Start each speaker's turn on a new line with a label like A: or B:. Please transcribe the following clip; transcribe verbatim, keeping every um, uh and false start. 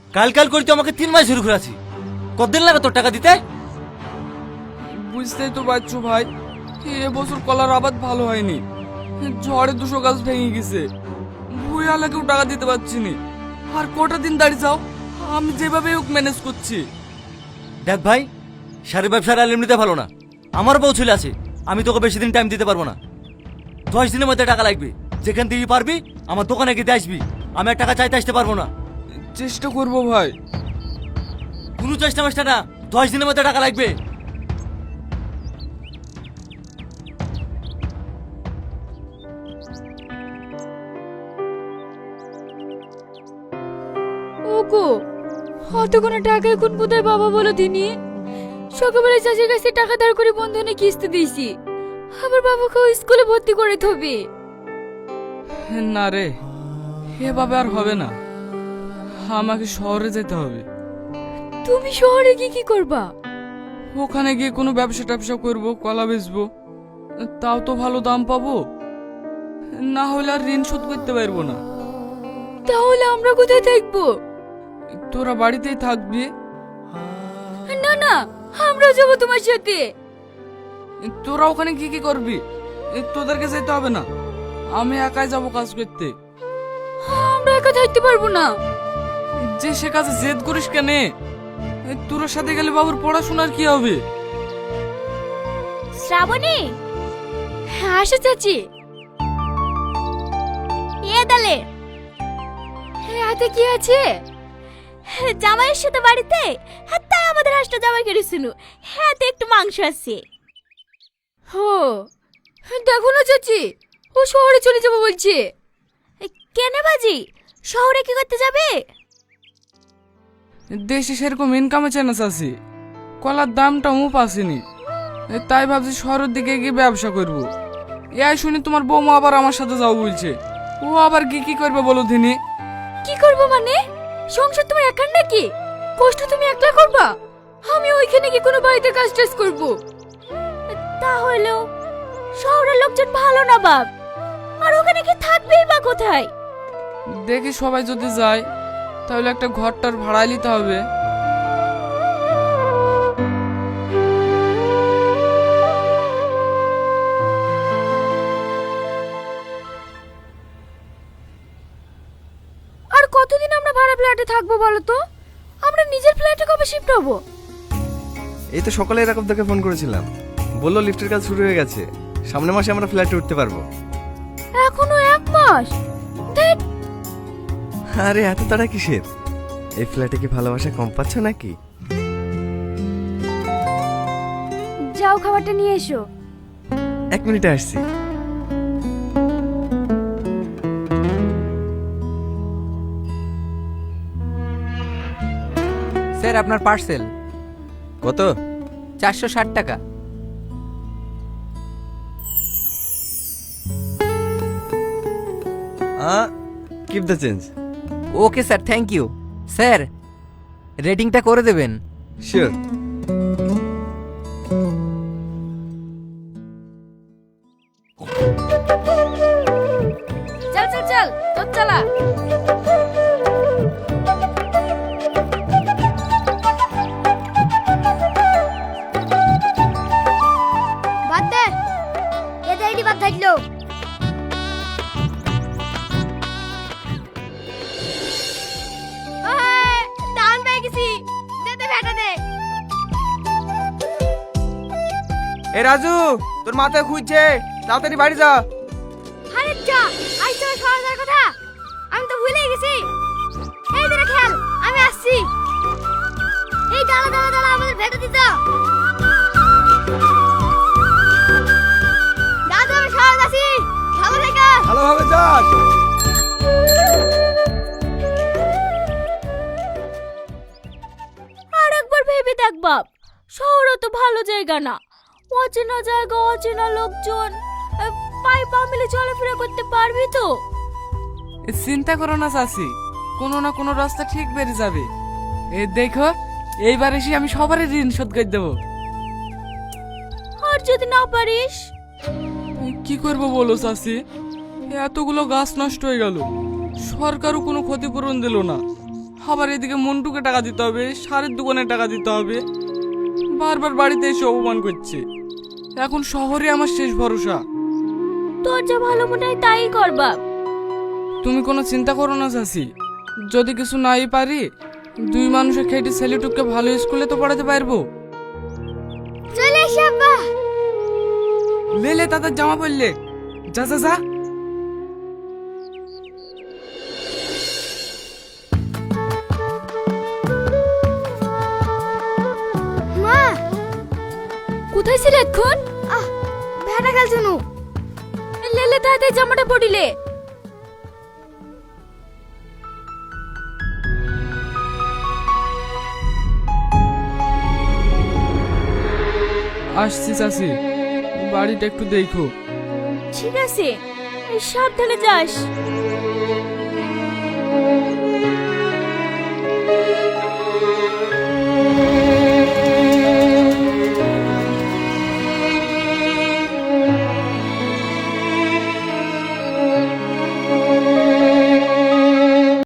A: কাল কাল করে তো আমাকে তিন মাস শুরু করেছি। কতদিন লাগে তোর টাকা দিতে?
B: বুঝতেই তো পারছো ভাই, এবছর কলার আবাদ ভালো হয়নি। ঝড়ে দুশো গাছ ভেঙে গেছে, ভুইয়ালাকেও টাকা দিতে পারছি নি। আর কটা দিন দাঁড়িয়ে যাও, আমি যেভাবে হোক ম্যানেজ করছি।
A: দেখ ভাই, শাড়ি ব্যবসার আর এমনিতে ভালো না। আমার বউ ছেলে আছে, আমি তোকে বেশি দিন টাইম দিতে পারবো না। দশ দিনের মধ্যে টাকা লাগবে। যেখান থেকে পারবি আমার দোকানে গিয়ে আসবি। আমি আর টাকা চাইতে আসতে পারবো না।
B: চেষ্টা করবো ভাই।
A: কোনো চেষ্টা মেষ্টা না, দশ দিনের মধ্যে টাকা লাগবে।
C: ওগো, অত কোনো টাকা এখন কোথায় বাবা বলো দিনি? সকালবেলা চাষের কাছে টাকা ধার করে বন্ধনে কিস্তি দিয়েছি, আবার বাবাকেও স্কুলে ভর্তি করে থবি।
B: না রে, এভাবে আর হবে না, আমাকে শহরে যেতে হবে।
C: তুমি শহরে গিয়ে কি করবা?
B: ওখানে গিয়ে কোনো ব্যবসা ট্যাবসা করবো, কলা বেচবো, তাও তো ভালো দাম পাবো। না হলে আর ঋণ শোধ করতে পারবো না।
C: তাহলে আমরা কোথায় থাকবো?
B: তোরা বাড়িতেই থাকবি।
C: না না, আমরাও যাবো তোমার সাথে।
B: তোরা ওখানে কি কি করবি? তোদেরকে যেতে হবে না, আমি একাই যাব কাজ করতে।
C: আমরা একা থাকতে পারবো না।
B: যে সে কাজে জেদ করিস কেন? তোর সাথে গেলে বাবুর পড়াশোনার কি হবে?
C: শ্রাবণী, আসো চাচি। এ দালে হাতে কি আছে? জামাইয়ের সাথে বাড়িতে, তাই আমাদের হাঁসটা জামাই করেছিল। হাতে একটু মাংস আছে। হো, দেখো না চাচি, ও শহরে চলে যাবো বলছে। কেন বাজি, শহরে কি করতে যাবে?
B: দেশে সেরকম ইনকামে চ্যানেস আছে, কলার দামটা মুপ আসেনি, তাই ভাবছি শহরের দিকে গিয়ে ব্যবসা করব। এই শুনি তোমার বৌমা আবার আমার সাথে যাও বলছে। ও আবার কি কি করবে বলো দিনি?
C: কি করবো মানে? সংসার তোমার একার নাকি? কষ্ট তুমি একলা করবা? আমি ওইখানে কি কোনো বাড়িতে কাজ টাজ করবো? তাহলেও শহরের লোকজন ভালো না বাপ, আর ওখানে কি থাকবেই বা কোথায়?
B: দেখি সবাই যদি যায় তাহলে একটা ঘরটার ভাড়া নিতে হবে।
C: আর কতদিন আমরা ভাড়া ফ্ল্যাটে থাকবো বলো তো? আমরা নিজের ফ্ল্যাটে কবে শিফট হবো?
D: এই তো সকালে এরকম তোকে ফোন করেছিলাম, বললো লিফটের কাজ শুরু হয়ে গেছে, সামনের মাসে আমরা ফ্ল্যাটে উঠতে পারবো।
C: এখনো এক মাস? ধ্যাৎ,
D: আরে এত তাড়া কিসের? এই ফ্ল্যাটে কি ভালোবাসা কম পাচ্ছ নাকি?
C: যাও খাবারটা নিয়ে এসো।
D: এক মিনিটে আসছি।
E: স্যার আপনার পার্সেল।
D: কত?
E: চারশো ষাট টাকা।
D: Keep the change.
E: Okay sir, thank you. Sir রেটিংটা করে দেবেন।
D: শিওর।
C: চল চল চল, তোর চালা। বাদ দে, এটা আইডি বাদ থাকলো। দাম পেয়ে গেছি, দে দে ভেটা দে।
B: এ রাজু, তোর মাথায় খুঁজছে, তাড়াতাড়ি বাড়ি যা।
C: আরে যা, আজ তো শহর যাওয়ার কথা, আমি তো ভুলেই গেছি। এই দিকে খেয়াল, আমি আসছি। এই দাঁড়া দাঁড়া দাঁড়া, আমাদের ভেটা দিতে। দাদা আমি শহর যাচ্ছি, ভালো থেকো।
B: ভালোভাবে যাস।
C: আর একবার ভেবে দেখ বাপ, শহরও তো ভালো জায়গা না। অচেনা জায়গা, অচেনা লোকজন, পায়ে পা মিলে চলাফেরা করতে পারবি তো?
B: চিন্তা করো না চাচি, কোনো না কোনো রাস্তা ঠিক বেরিয়ে যাবে। এ দেখো, এইবার এসে আমি সবারই ঋণ শোধ করে দেবো।
C: আর যদি না পারিস?
B: কি করবো বলো চাচি, এতগুলো গাছ নষ্ট হয়ে গেল, সরকারও কোনো ক্ষতিপূরণ দিল না, আবার এদিকে মন্টুকে টাকা দিতে হবে, সারের দোকানে টাকা দিতে হবে। বারবার বাড়িতে এসে অপমান করছে। এখন শহরে আমার শেষ ভরসা।
C: তোর যা ভালো মনে হয় তাই কর বাপ।
B: তুমি কোনো চিন্তা করো না চাচি, যদি কিছু নাই পারি দুই মানুষের খেটে ছেলেটুককে ভালো স্কুলে তো পড়াতে পারবো।
C: চলে এসে আব্বা।
B: লেলে তাদের জামা পরলে, যা যা যা।
C: মা কোথায় ছিলে এখন? আহ ভেড়া গেল জানো। লেলে তাড়াতাড়ি জামাটা পরিলে।
B: আসছি চাচি, বাড়িটা একটু দেখো।
C: ঠিক আছে, সাবধানে যাস।